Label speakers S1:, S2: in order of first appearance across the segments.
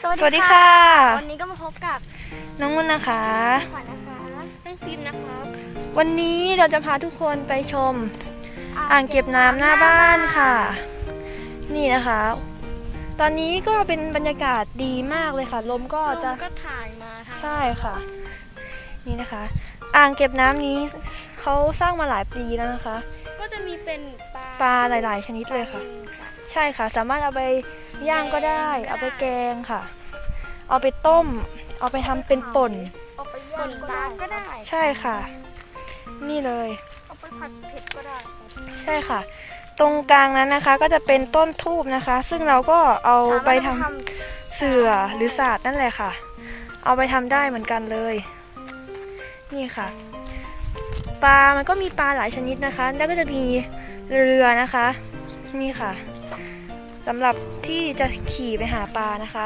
S1: สวัสดีค่ะวันนี้ก็มาพบกับ
S2: น้องนุ่นนะคะ
S1: ขวัญนะคะน้องฟิล์มนะคะ
S2: วันนี้เราจะพาทุกคนไปชมอ่างเก็บน้ำหน้าบ้านค่ะนี่นะคะตอนนี้ก็เป็นบรรยากาศดีมากเลยค่ะลมก็
S1: ถ่ายมา
S2: ใช่ค่ะนี่นะคะอ่างเก็บน้ำนี้เขาสร้างมาหลายปีแล้วนะคะ
S1: ก็จะมีเป็น
S2: ปลาหลายๆชนิดเลยค่ะใช่ค่ะสามารถเอาไปย่างก็ได้เอาไปแกงค่ะเอาไปต้มเอาไปทำเป็นป่น
S1: ก็ได้
S2: ใช่ค่ะนี่เลย
S1: เอาไปผัดเผ็ดก็ได้
S2: ใช่ค่ะตรงกลางนั้นนะคะก็จะเป็นต้นทูบนะคะซึ่งเราก็เอาไปทำเสื่อหรือศาสตร์นั่นแหละค่ะเอาไปทำได้เหมือนกันเลยนี่ค่ะปลามันก็มีปลาหลายชนิดนะคะแล้วก็จะมีเรือนะคะนี่ค่ะสำหรับที่จะขี่ไปหาปลานะคะ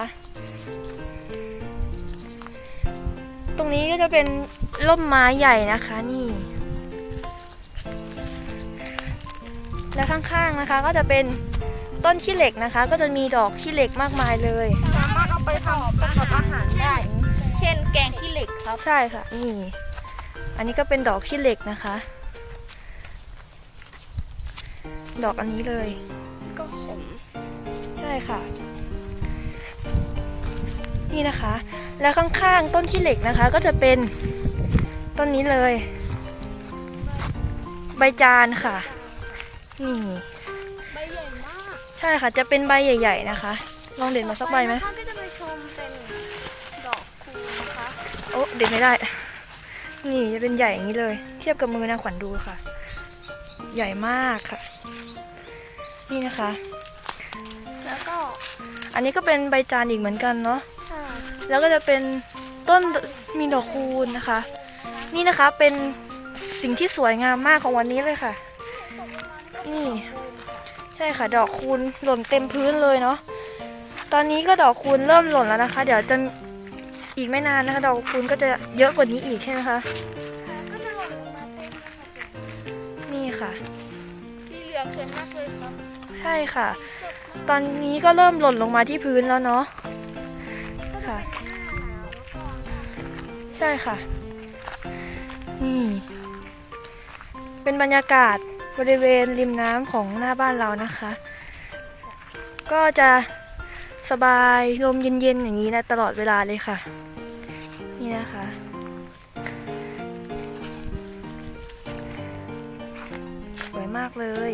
S2: ตรงนี้ก็จะเป็นร่มไม้ใหญ่นะคะนี่และข้างๆนะคะก็จะเป็นต้นขี้เหล็กนะคะก็จะมีดอกขี้เหล็กมากมายเลย
S1: สามารถเอาไปทำประกอบอาหารได้เช่นแกงขี้เหล็กครับ
S2: ใช่ค่ะนี่อันนี้ก็เป็นดอกขี้เหล็กนะคะดอกอันนี้เลย
S1: ก็ขม
S2: ใช่ค่ะนี่นะคะแล้วข้างๆต้นขี้เหล็กนะคะก็จะเป็นต้นนี้เลยใบจานค่ะนี่
S1: ใบใหญ่มาก
S2: ใช่ค่ะจะเป็นใบใหญ่ๆนะคะลองเด็ดมาสักใบไหม
S1: ก็จะไปชมเป็นดอกคูณนะคะ
S2: โอ้เด็ดไม่ได้นี่จะเป็นใหญ่อย่างนี้เลยเทียบกับมือนะขวัญดูค่ะใหญ่มากค่ะนี่นะคะ
S1: แล้วก็
S2: อันนี้ก็เป็นใบจานอีกเหมือนกันเนาะแล้วก็จะเป็นต้นมีดอกคูณนะคะนี่นะคะเป็นสิ่งที่สวยงามมากของวันนี้เลยค่ะนี่ใช่ค่ะดอกคูณหล่นเต็มพื้นเลยเนาะตอนนี้ก็ดอกคูณเริ่มหล่นแล้วนะคะเดี๋ยวจะอีกไม่นานนะคะดอกคูณก็จะเยอะกว่านี้อีกใช่ไหมคะนี่ค่ะ
S1: สีเหลืองสวยมากเลยครับ
S2: ใช่ค่ะตอนนี้ก็เริ่มหล่นลงมาที่พื้นแล้วเนาะค่ะใช่ค่ะนี่เป็นบรรยากาศบริเวณริมน้ำของหน้าบ้านเรานะคะก็จะสบายลมเย็นๆอย่างนี้นะตลอดเวลาเลยค่ะนี่นะคะสวยมากเลย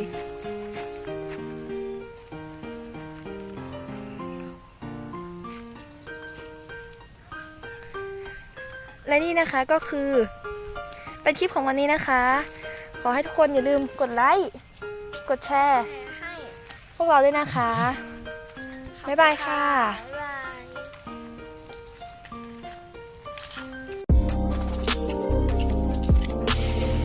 S2: และนี่นะคะก็คือเป็นคลิปของวันนี้นะคะขอให้ทุกคนอย่าลืมกดไลค์กดแชร์ให้พวกเราด้วยนะคะบ๊ายบายค่ะ